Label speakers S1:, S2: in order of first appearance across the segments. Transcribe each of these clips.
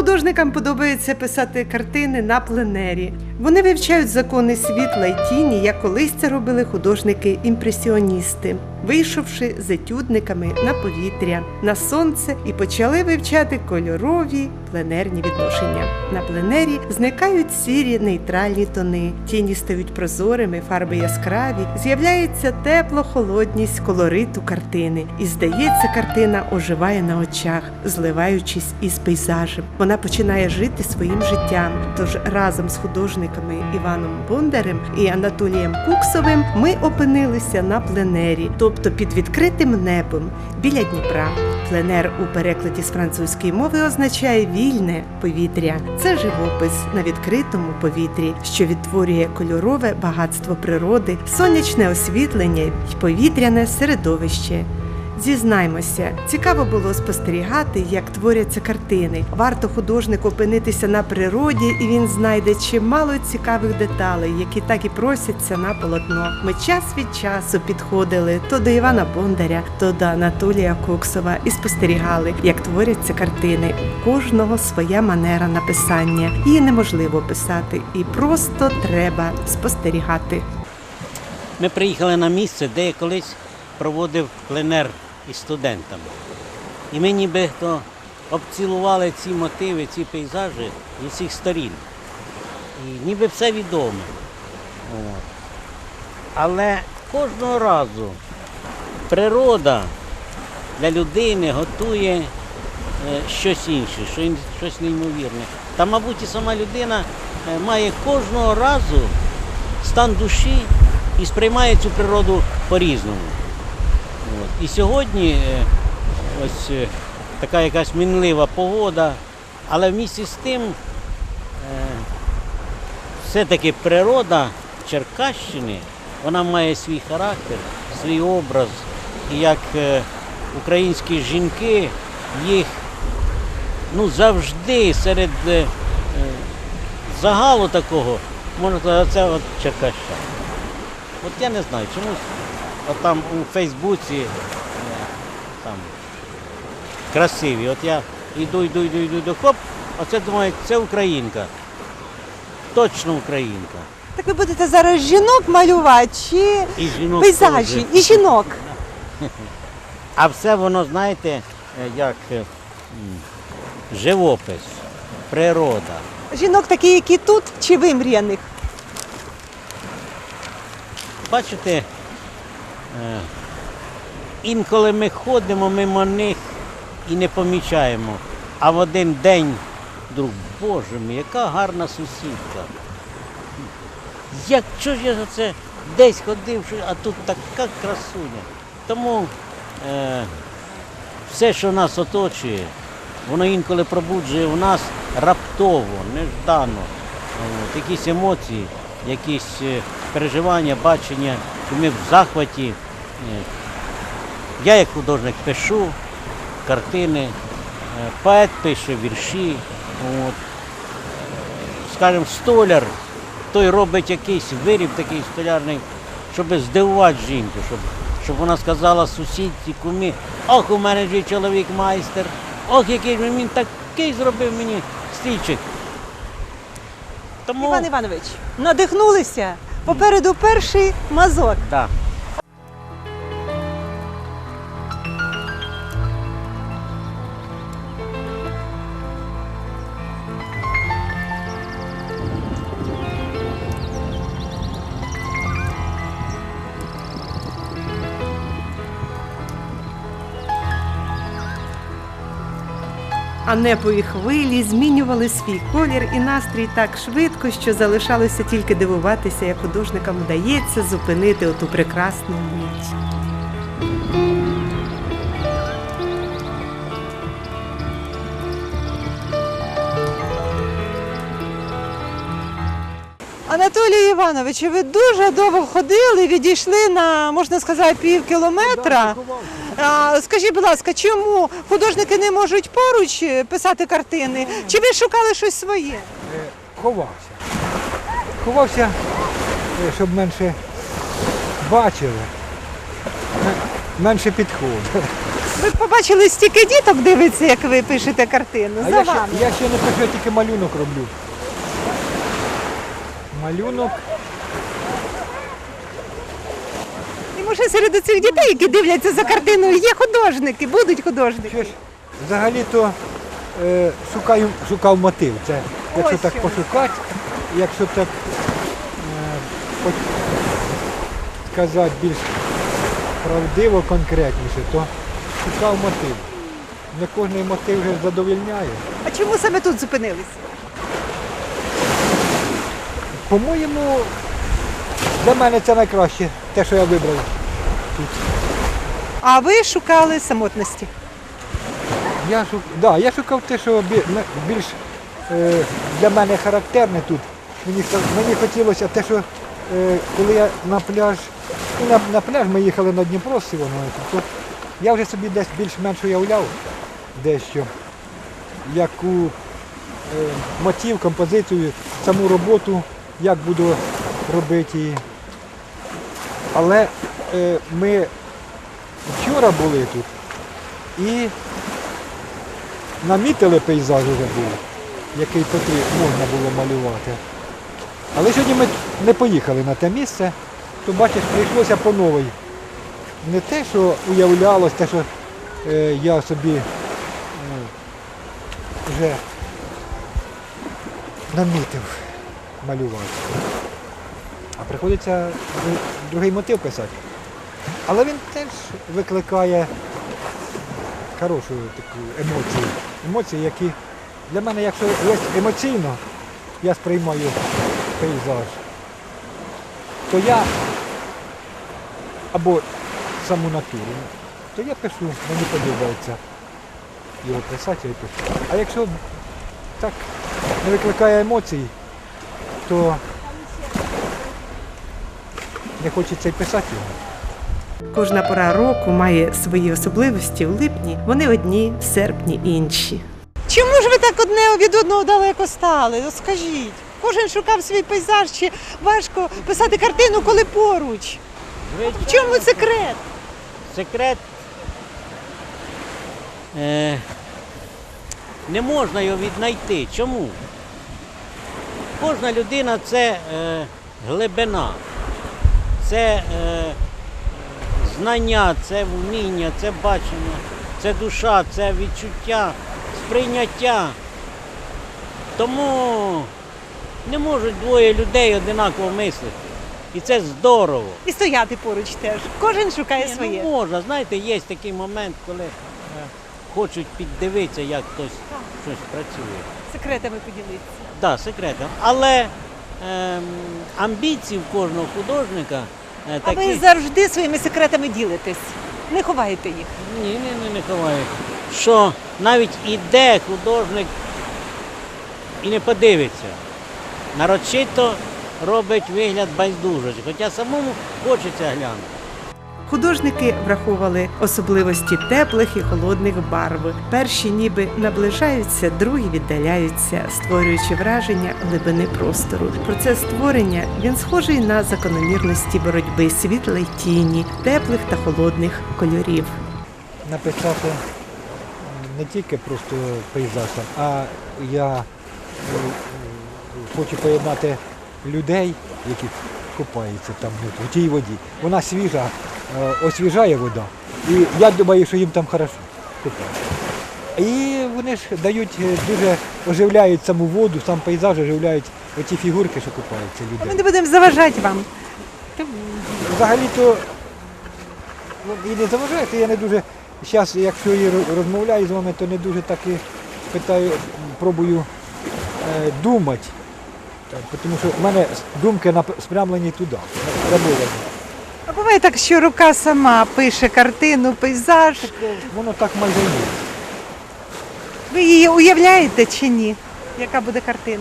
S1: Художникам подобається писати картини на пленері. Вони вивчають закони світла й тіні, як колись це робили художники-імпресіоністи, вийшовши з етюдниками на повітря, на сонце і почали вивчати кольорові пленерні відношення. На пленері зникають сірі нейтральні тони, тіні стають прозорими, фарби яскраві, з'являється тепло-холодність колориту картини. І здається, картина оживає на очах, зливаючись із пейзажем. Вона починає жити своїм життям. Тож разом з художниками Іваном Бондарем і Анатолієм Куксовим ми опинилися на пленері, тобто під відкритим небом біля Дніпра. Пленер у перекладі з французької мови означає «вільне повітря». Це живопис на відкритому повітрі, що відтворює кольорове багатство природи, сонячне освітлення й повітряне середовище. Зізнаймося, цікаво було спостерігати, як творяться картини. Варто художнику опинитися на природі, і він знайде чимало цікавих деталей, які так і просяться на полотно. Ми час від часу підходили то до Івана Бондаря, то до Анатолія Куксова і спостерігали, як творяться картини. У кожного своя манера написання. Її неможливо писати, і просто треба спостерігати.
S2: Ми приїхали на місце, де я колись проводив пленер із студентами. І ми нібито обцілували ці мотиви, ці пейзажі з усіх сторін. І ніби все відомо. Але кожного разу природа для людини готує щось інше, щось неймовірне. Та, мабуть, і сама людина має кожного разу стан душі і сприймає цю природу по-різному. І сьогодні ось така якась мінлива погода, але вмісті з тим все-таки природа Черкащини, вона має свій характер, свій образ. І як українські жінки, їх завжди серед загалу такого, можна сказати, це от черкащани. От я не знаю, чомусь от там у Фейсбуці там красиві. От я йду, хоп, оце думаю, це українка. Точно українка.
S3: Так ви будете зараз жінок малювати чи пейзажі? І жінок.
S2: А все воно, знаєте, як живопис, природа.
S3: Жінок такі, які тут, чи вимріяних?
S2: Бачите, інколи ми ходимо мимо них і не помічаємо. А в один день вдруг, Боже мій, яка гарна сусідка. Чого ж я за це десь ходив, а тут така красуня. Тому все, що нас оточує, воно інколи пробуджує в нас раптово, неждано. Якісь емоції, якісь переживання, бачення, що ми в захваті. Я як художник пишу картини, поет пише вірші. Скажімо, столяр, той робить якийсь виріб такий столярний, щоб здивувати жінку, щоб вона сказала сусідці, кумі, ох, у мене ж чоловік майстер, ох, який ж він такий зробив мені стільчик.
S3: Іван Іванович, надихнулися? Попереду перший мазок.
S2: Так.
S1: А небові хвилі змінювали свій колір і настрій так швидко, що залишалося тільки дивуватися, як художникам вдається зупинити оту прекрасну мить.
S3: Анатолій Іванович, ви дуже довго ходили, відійшли на, можна сказати, пів кілометра. Скажіть, будь ласка, чому художники не можуть поруч писати картини? Чи ви шукали щось своє?
S4: Ховався, щоб менше бачили, менше підходили.
S3: Ви побачили, стільки діток дивиться, як ви пишете картину.
S4: А
S3: За
S4: я ще,
S3: вами.
S4: я ще не пишу, я тільки малюнок роблю. Малюнок.
S3: І може серед цих дітей, які дивляться за картиною, є художники, будуть художники.
S4: Що ж, взагалі-то шукав мотив. Це, якщо
S3: Ось
S4: так
S3: що.
S4: пошукати, якщо так сказати більш правдиво, конкретніше, то шукав мотив. Не кожен мотив вже задовольняє.
S3: А чому саме тут зупинилися?
S4: По-моєму, для мене це найкраще, те, що я вибрав тут.
S3: А ви шукали самотності.
S4: Я шукав те, що більш для мене характерне тут. Мені хотілося те, що коли я на пляж, на пляж ми їхали на Дніпро з Івановою, то я вже собі десь більш-менш уявляв дещо, яку мотив, композицію, саму роботу, як буду робити її. Але ми вчора були тут і намітили пейзаж вже був, який можна було малювати. Але сьогодні ми не поїхали на те місце, то бачиш, прийшлося по новій. Не те, що уявлялось, те, що я собі вже намітив малювати. А приходиться другий мотив писати. Але він теж викликає хорошу таку емоцію. Емоції, які для мене, якщо є емоційно, я сприймаю пейзаж, то я або саму натуру, то я пишу, мені подобається його писати, я пишу. А якщо так не викликає емоцій, то не хочеться й писати його.
S1: Кожна пора року має свої особливості. В липні вони одні, в серпні інші.
S3: Чому ж ви так одне від одного далеко стали? От скажіть. Кожен шукав свій пейзаж, чи важко писати картину, коли поруч? В чому секрет?
S2: Секрет не можна його віднайти. Чому? Кожна людина це глибина, це знання, це вміння, це бачення, це душа, це відчуття, сприйняття. Тому не можуть двоє людей одинаково мислити. І це здорово.
S3: І стояти поруч теж. Кожен шукає
S2: Ні,
S3: своє.
S2: Ну, можна, знаєте, є такий момент, коли хочуть піддивитися, як хтось щось працює.
S3: Секретами поділитися.
S2: Так, да, секретом. Але амбіції в кожного художника
S3: А ви
S2: такі.
S3: завжди своїми секретами ділитесь. Не ховаєте їх.
S2: Ні, не ховаю. Що навіть іде художник і не подивиться. Нарочито робить вигляд байдужості, хоча самому хочеться глянути.
S1: Художники враховували особливості теплих і холодних барв. Перші ніби наближаються, другі віддаляються, створюючи враження глибини простору. Процес створення він схожий на закономірності боротьби світла й тіні, теплих та холодних кольорів.
S4: Написати не тільки просто пейзаж, а я хочу поєднати людей, які купаються там в тій воді. Вона свіжа, освіжає вода. І я думаю, що їм там хорошо купаються. І вони ж дають дуже оживляють саму воду, сам пейзаж оживляють оті фігурки, що купаються
S3: Ми
S4: людей.
S3: не будемо заважати вам.
S4: Взагалі-то і не заважаєте, я не дуже, зараз, якщо я розмовляю з вами, то не дуже так і питаю, пробую думати, тому що в мене думки спрямлені туди, спрямовані.
S3: А буває так, що рука сама пише картину, пейзаж.
S4: Воно так майже є.
S3: Ви її уявляєте чи ні? Яка буде картина?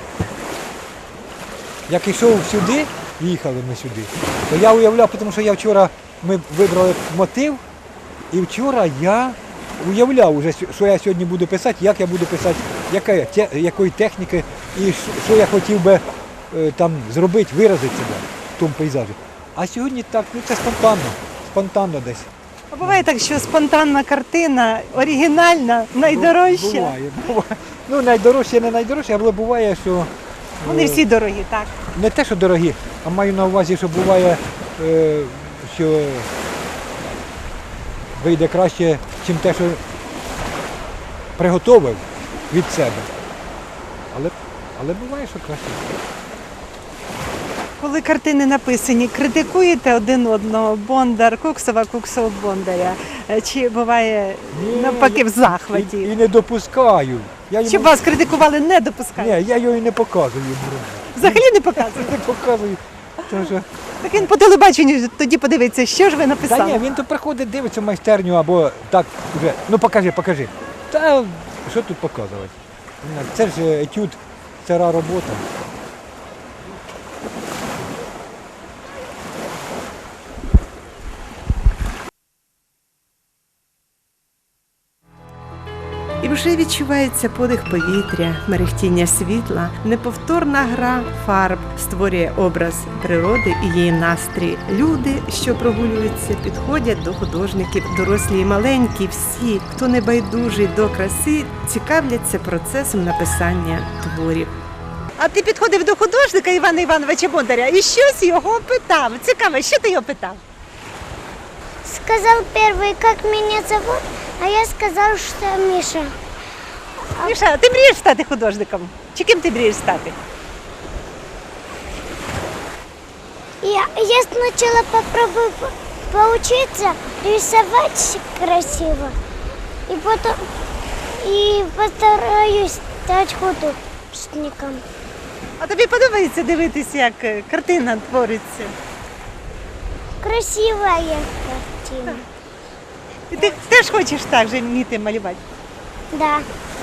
S4: Як йшов сюди, їхали ми сюди, то я уявляв, тому що ми вибрали мотив, і вчора я уявляв вже, що я сьогодні буду писати, як я буду писати, якої техніки, і що я хотів би там зробити, виразити себе в тому пейзажі. А сьогодні так, це спонтанно десь.
S3: А буває так, що спонтанна картина, оригінальна, найдорожча.
S4: Буває. Ну, найдорожче, не найдорожче, але буває, що
S3: Вони всі дорогі, так.
S4: не те, що дорогі, а маю на увазі, що буває, що вийде краще, ніж те, що приготовив від себе. Але буває, що краще.
S3: Коли картини написані, критикуєте один одного, Бондар, Куксова, Куксов, Бондаря? Чи буває навпаки в захваті?
S4: І не допускаю.
S3: Щоб вас критикували, не допускають?
S4: Ні, я його і не показую.
S3: Взагалі не показують?
S4: Не показую. Тому що...
S3: Так він по телебаченню тоді подивиться, що ж ви
S4: Та
S3: написали.
S4: ні, він то приходить, дивиться в майстерню або так вже. Ну покажи. Та що тут показувати? Це ж етюд, стара робота.
S1: І вже відчувається подих повітря, мерехтіння світла, неповторна гра фарб створює образ природи і її настрій. Люди, що прогулюються, підходять до художників, дорослі і маленькі, всі, хто не байдужий до краси, цікавляться процесом написання творів.
S3: А ти підходив до художника Івана Івановича Бондаря і щось його питав. Цікаво, що ти його питав?
S5: Сказал первый, как меня зовут, а я сказал, что Миша.
S3: Міша, ти мрієш стати художником? Чи ким ти мрієш стати?
S5: Я сначала попробую поучиться рисовать красиво, и потом постараюсь стать художником.
S3: А тобі подобається дивитися, як картина твориться?
S5: Красивая картина.
S3: І ти теж хочеш так же вміти малювати?
S5: Да.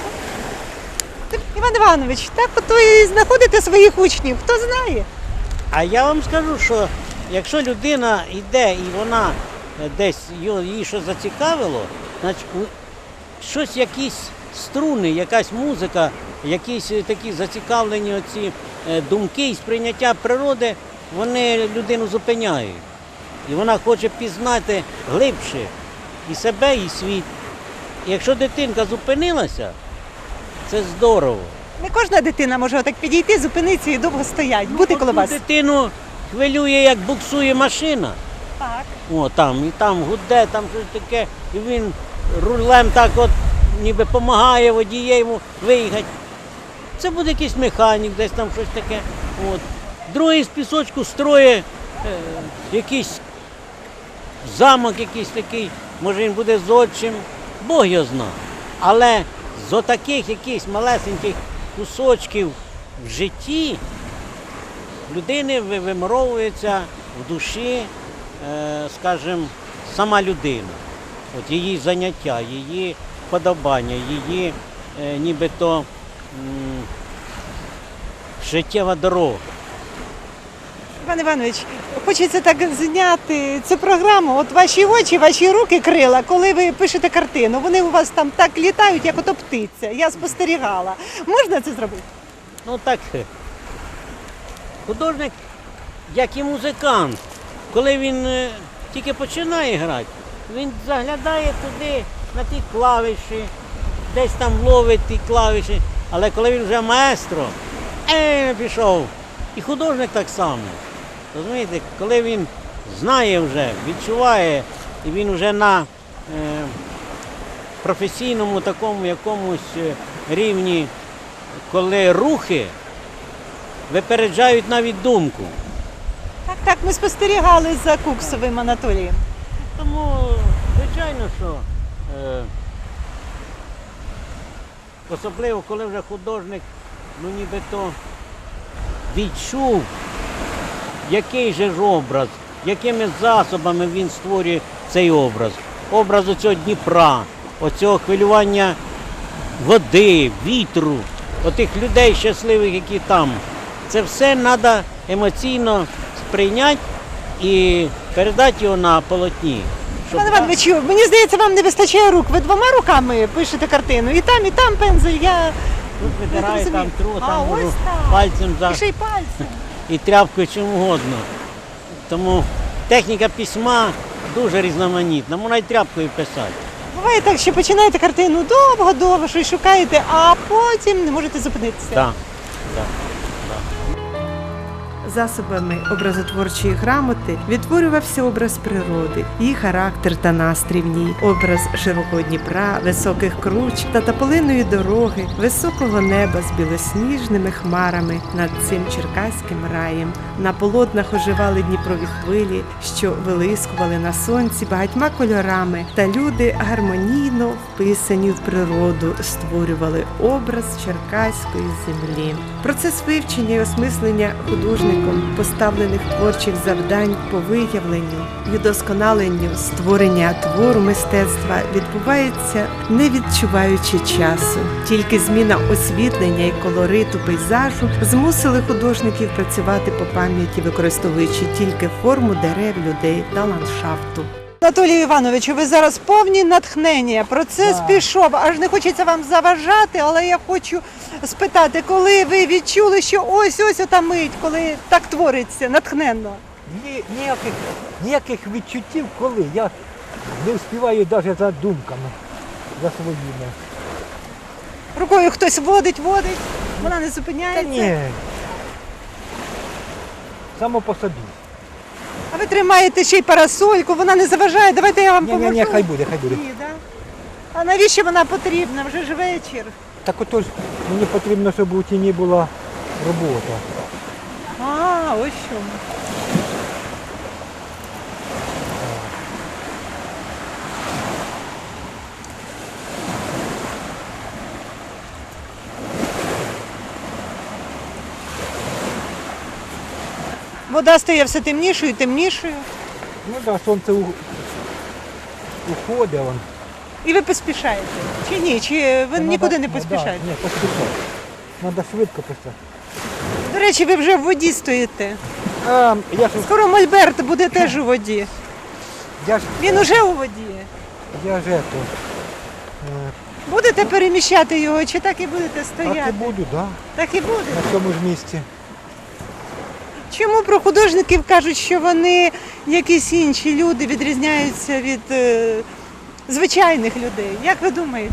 S3: Іван Іванович, так ото і знаходите своїх учнів, хто знає?
S2: А я вам скажу, що якщо людина йде і вона десь її щось зацікавило, значить щось, якісь струни, якась музика, якісь такі зацікавлені оці думки і сприйняття природи, вони людину зупиняють. І вона хоче пізнати глибше і себе, і світ. І якщо дитинка зупинилася, це здорово.
S3: Не кожна дитина може отак підійти, зупинитися і довго стоять, бути коло вас.
S2: Дитину хвилює, як буксує машина.
S3: Так.
S2: О, там, і там гуде, там щось таке, і він рулем так от ніби допомагає водієву виїхати. Це буде якийсь механік, десь там щось таке. От. Другий з пісочку строє якийсь замок якийсь такий, може він буде зодчим, Бог його знає. Але з отаких якихось малесеньких кусочків в житті людини вимровується в душі, скажімо, сама людина. От її заняття, її вподобання, її нібито життєва дорога.
S3: Іван Іванович, хочеться так зняти цю програму. От ваші очі, ваші руки, крила, коли ви пишете картину, вони у вас там так літають, як ото птиця. Я спостерігала. Можна це зробити?
S2: Ну так, художник, як і музикант, коли він тільки починає грати, він заглядає туди, на ті клавіші, десь там ловить ті клавіші, але коли він вже маестро, пішов. І художник так само. Розумієте, коли він знає вже, відчуває, і він вже на професійному такому якомусь рівні, коли рухи випереджають навіть думку.
S3: Так, ми спостерігали за Куксовим Анатолієм.
S2: Тому, звичайно, що особливо, коли вже художник, ну нібито відчув, який же ж образ, якими засобами він створює цей образ. Образ оцього Дніпра, оцього хвилювання води, вітру, отих людей щасливих, які там. Це все треба емоційно сприйняти і передати його на полотні.
S3: Іван Іванович, мені здається, вам не вистачає рук. Ви двома руками пишете картину. І там пензель. Я
S2: Тут витираю,
S3: не
S2: там
S3: розумію.
S2: тру,
S3: А,
S2: там
S3: ось
S2: можу
S3: так.
S2: пальцем
S3: І ще й пальцем.
S2: і тряпкою чим угодно. Тому техніка письма дуже різноманітна, можна й тряпкою писати.
S3: Буває так, що починаєте картину довго-довго, щось шукаєте, а потім не можете зупинитися.
S2: Так, так.
S1: Засобами образотворчої грамоти відтворювався образ природи, її характер та настрій в ній, образ широкого Дніпра, високих круч та тополиної дороги, високого неба з білосніжними хмарами над цим черкаським раєм. На полотнах оживали Дніпрові хвилі, що вилискували на сонці багатьма кольорами, та люди гармонійно вписані в природу створювали образ черкаської землі. Процес вивчення і осмислення художником поставлених творчих завдань по виявленню і удосконаленню створення твору мистецтва відбувається не відчуваючи часу. Тільки зміна освітлення і колориту пейзажу змусили художників працювати по пам'яті, використовуючи тільки форму дерев, людей та ландшафту.
S3: Анатолію Івановичу, ви зараз повні натхнення. Процес пішов. Аж не хочеться вам заважати, але я хочу спитати, коли ви відчули, що ось ота мить, коли так твориться, натхненно.
S4: Ніяких відчуттів, коли я не встигаю навіть за думками, за своїми.
S3: Рукою хтось водить, вона не
S4: Та
S3: зупиняється.
S4: ні. Само по собі.
S3: А ви тримаєте ще й парасольку, вона не заважає. Давайте я вам поможу.
S4: Ні, хай буде.
S3: Ні, да? А навіщо вона потрібна? Вже ж вечір.
S4: Так отож мені потрібно, щоб у тіні була робота.
S3: А, ось що. Вода стає все темнішою і темнішою.
S4: Ну так, сонце уходить.
S3: І ви поспішаєте? Чи ні? Чи ви нікуди не поспішаєте?
S4: Ні, поспішаю. Треба швидко писати.
S3: До речі, ви вже в воді стоїте.
S4: Я ж
S3: Скоро Мольберт буде теж у воді. Він уже у воді. Будете переміщати його, чи так і будете стояти?
S4: Так і буду, так.
S3: Так і буде.
S4: На цьому ж місці.
S3: Чому про художників кажуть, що вони якісь інші люди відрізняються від звичайних людей? Як ви думаєте?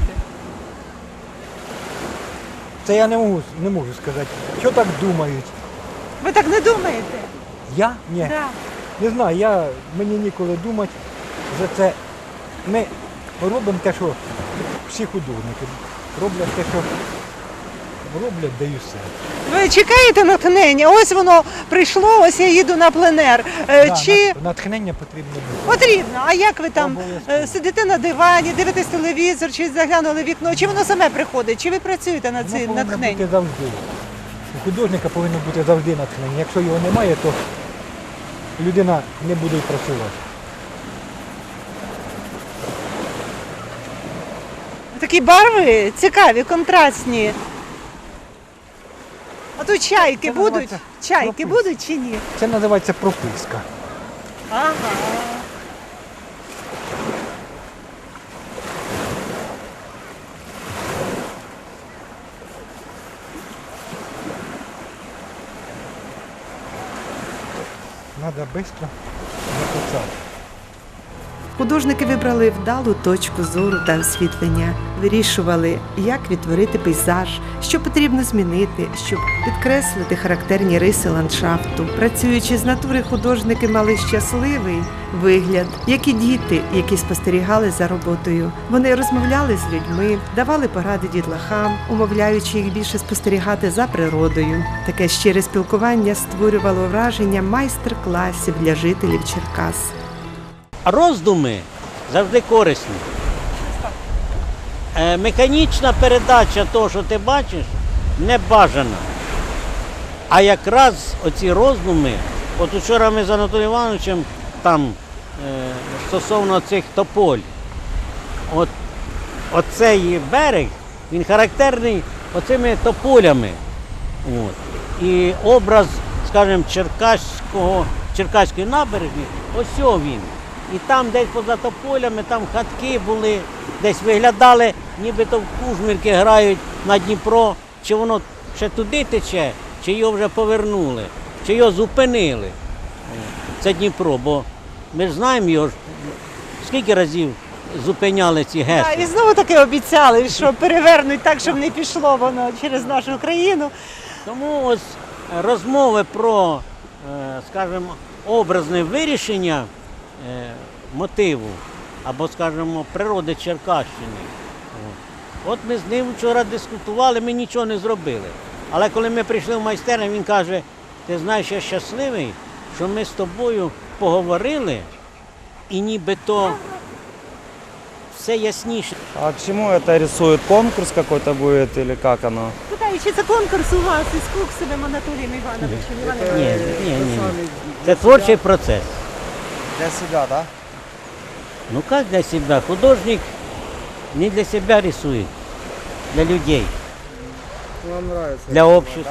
S4: Це я не можу сказати. Що так думають?
S3: Ви так не думаєте?
S4: Я? Ні.
S3: Да.
S4: Не знаю, мені ніколи думати за це. Ми робимо те, що всі художники роблять те, що роблять, да і все.
S3: Ви чекаєте натхнення? Ось воно прийшло, ось я їду на пленер. Чи
S4: Натхнення потрібно бути.
S3: потрібно? А як ви там
S4: Обов'язково.
S3: сидите на дивані, дивитесь телевізор, чи заглянули в вікно, чи воно саме приходить, чи ви працюєте над
S4: Воно
S3: цим
S4: повинно
S3: натхненням?
S4: бути завжди. У художника повинно бути завжди натхнення. Якщо його немає, то людина не буде й працювати.
S3: Такі барви цікаві, контрастні. А тут чайки
S4: Це
S3: будуть?
S4: називається
S3: Чайки
S4: прописка.
S3: будуть чи ні?
S4: Це називається прописка.
S3: Ага.
S4: Треба швидко написати.
S1: Художники вибрали вдалу точку зору та освітлення, вирішували, як відтворити пейзаж, що потрібно змінити, щоб підкреслити характерні риси ландшафту. Працюючи з натури, художники мали щасливий вигляд, як і діти, які спостерігали за роботою. Вони розмовляли з людьми, давали поради дітлахам, умовляючи їх більше спостерігати за природою. Таке щире спілкування створювало враження майстер-класів для жителів Черкас.
S2: Роздуми завжди корисні. Механічна передача того, що ти бачиш, не бажана. А якраз оці роздуми, от вчора ми з Анатолієм Івановичем там стосовно цих тополь, оцей берег, він характерний оцими тополями. І образ, скажімо, Черкаської набережні, ось він. І там десь поза тополями, там хатки були, десь виглядали, нібито в кужмірки грають на Дніпро. Чи воно ще туди тече, чи його вже повернули, чи його зупинили. Це Дніпро, бо Ми ж знаємо його, скільки разів зупиняли ці
S3: А,
S2: гести.
S3: і знову таки обіцяли, що перевернуть так, щоб не пішло воно через нашу країну.
S2: Тому ось розмови про, скажімо, образне вирішення мотиву або, скажімо, природи Черкащини. От ми з ним вчора дискутували, ми нічого не зробили. Але коли ми прийшли в майстерню, він каже, ти знаєш, я щасливий, що ми з тобою поговорили і нібито все ясніше.
S6: А к чему это рисует? Конкурс какой-то будет или как оно?
S3: Питаю, чи це конкурс у вас із Куксовим Анатолієм Івановичем?
S2: Ні. Це творчий процес.
S6: Для себя, да?
S2: Ну как для себя? Художник не для себя рисует, для людей,
S6: Вам нравится?
S2: для общества.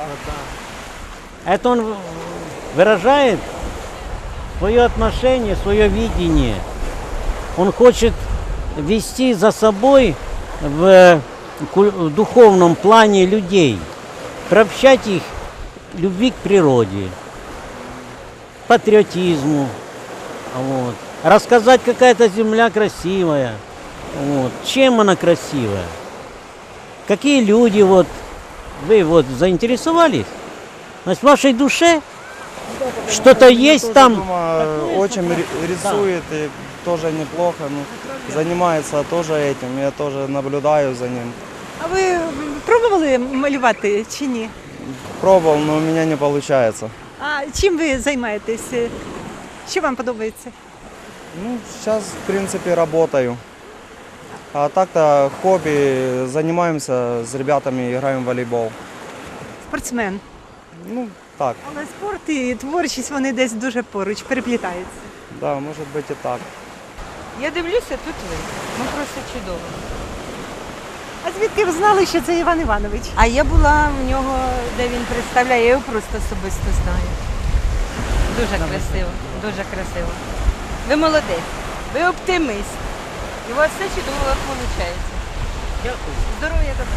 S2: Это он выражает свое отношение, свое видение. Он хочет вести за собой в духовном плане людей, приобщать их к любви к природе, патриотизму, вот. Рассказать, какая эта земля красивая, вот. Чем она красивая, какие люди, вот, вы вот заинтересовались, значит, в вашей душе что-то есть там.
S6: Очень рисует и тоже неплохо. Ну, занимается тоже этим. Я тоже наблюдаю за ним.
S3: А ви пробували малювати чи ні?
S6: Пробовал, но у меня не получается.
S3: А чим ви займаєтесь? Що вам подобається?
S6: Ну, сейчас, в принципе, работаю. А так-то хобби, занимаемся с ребятами, играем в волейбол.
S3: Спортсмен.
S6: Ну, так,
S3: Але спорт і творчість вони десь дуже поруч переплітаються.
S6: да, может быть и так.
S7: Я дивлюся, тут ви. Ну просто чудово.
S3: А звідки ви знали, що це Іван Іванович?
S7: А я була в нього, де він представляє, я його просто особисто знаю. Дуже красиво, дуже красиво. Ви молодець, ви оптиміст. І у вас все чудово виходить.
S2: Дякую.
S7: Здоров'я, добра.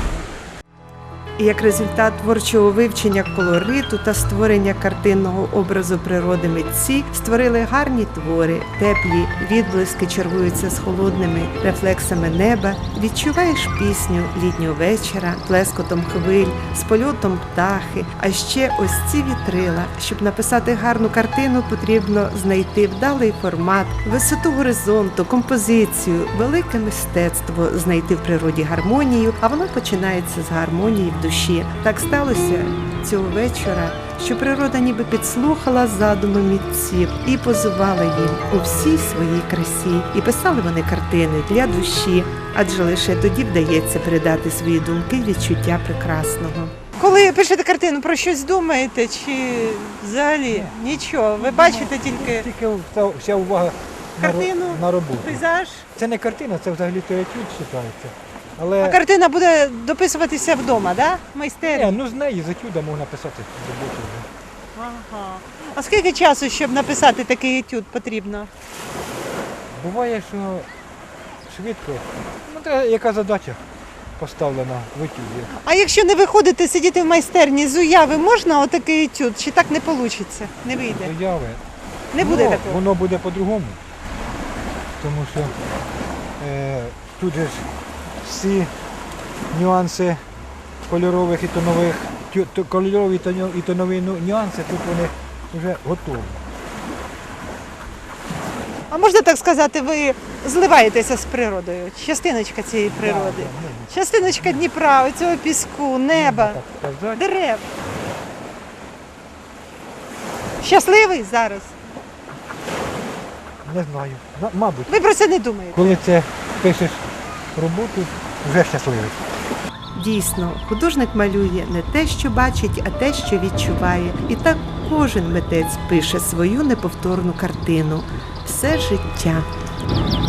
S1: І як результат творчого вивчення колориту та створення картинного образу природи митці створили гарні твори, теплі відблиски чергуються з холодними рефлексами неба, відчуваєш пісню літнього вечора, плескотом хвиль, з польотом птахи, а ще ось ці вітрила. Щоб написати гарну картину, потрібно знайти вдалий формат, висоту горизонту, композицію, велике мистецтво знайти в природі гармонію, а воно починається з гармонії в душі. Так сталося цього вечора, що природа ніби підслухала задуми митців і позувала їм у всій своїй красі. І писали вони картини для душі, адже лише тоді вдається передати свої думки й відчуття прекрасного.
S3: Коли пишете картину, про щось думаєте чи взагалі нічого? Ви бачите тільки
S4: Тільки вся увага
S3: картину,
S4: на роботу.
S3: пейзаж?
S4: Це не картина, це взагалі то етюд вважається. Але
S3: А картина буде дописуватися вдома, да? В майстерні?
S4: ну з неї з етюда можна писати роботу.
S3: Ага. А скільки часу, щоб написати такий етюд, потрібно?
S4: Буває, що швидко. Ну, та яка задача поставлена в етюді.
S3: А якщо не виходите сидіти в майстерні з уяви, можна отакий етюд? Чи так не вийде? Не вийде?
S4: Заяви.
S3: Не буде
S4: Ну,
S3: такого?
S4: Воно буде по-другому. Тому що тут же ж всі нюанси кольорових і тонових, кольорові і тонові нюанси, тут вони вже готові.
S3: А можна так сказати, ви зливаєтеся з природою? Частиночка цієї природи.
S4: Да,
S3: Частиночка Дніпра, цього піску, неба,
S4: так сказати.
S3: дерев. Щасливий зараз?
S4: Не знаю. Мабуть,
S3: Ви про це не думаєте?
S4: коли це пишеш роботу, вже щасливий.
S1: Дійсно, художник малює не те, що бачить, а те, що відчуває. І так кожен митець пише свою неповторну картину все життя.